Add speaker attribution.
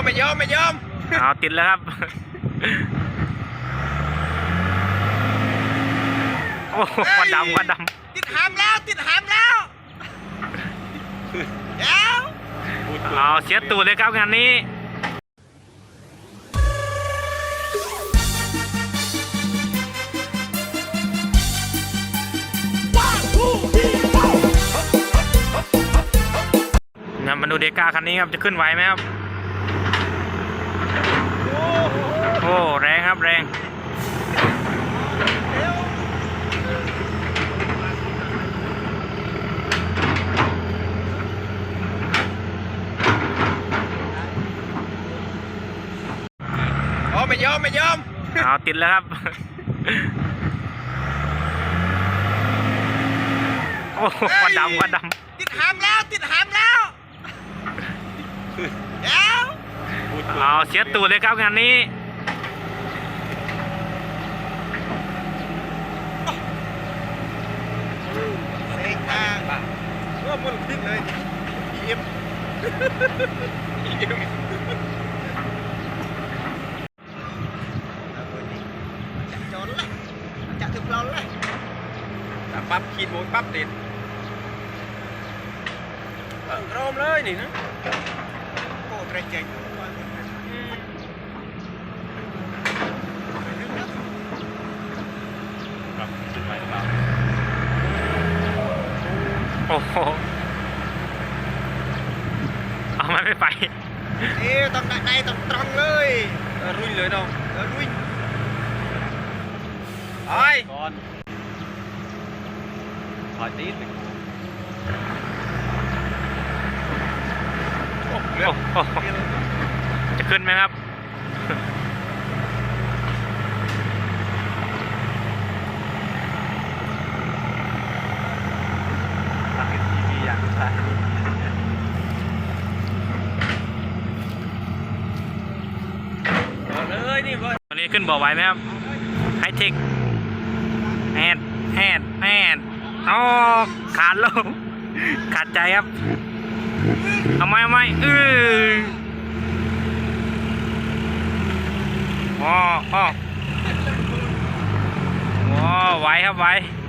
Speaker 1: ไม่ยอม
Speaker 2: เอาติดแล้วครับโอ้ควันดำ
Speaker 1: ติดหามแล้วเดี๋ยว
Speaker 2: เอาเสียตูดเลยครับงานนี้งั้นมาดูเดก้าคันนี้ครับจะขึ้นไหวไหมครับโอ้แรงครับแรง
Speaker 1: ไม่ยอม
Speaker 2: เอาติดแล้วครับโอ้ควันดำ
Speaker 1: ติดหามแล้วเดี๋ยว
Speaker 2: เอาเสียตูดเลยครับงานนี้
Speaker 1: เซ็งมากว่ามันพิษเลยยิ้มจนเลยจะถึงเราเลยปั๊บขีดโมยปั๊บติดโรมเลยนี่นะโอ้เตะเจ๋ง
Speaker 2: โอ้โหเอาไม่ไป
Speaker 1: ต้องได้ต้องตรงเลยรุ่ยเลยน้องรุ่ยไอ้ก่อนถอยตีน
Speaker 2: จะขึ้นไหมครับตอนนี้ขึ้นบ่อไหวไหมครับไฮเทคแฮดอ๋อขาดลงขาดใจครับเอาไม่อ๋อไหวครับไหว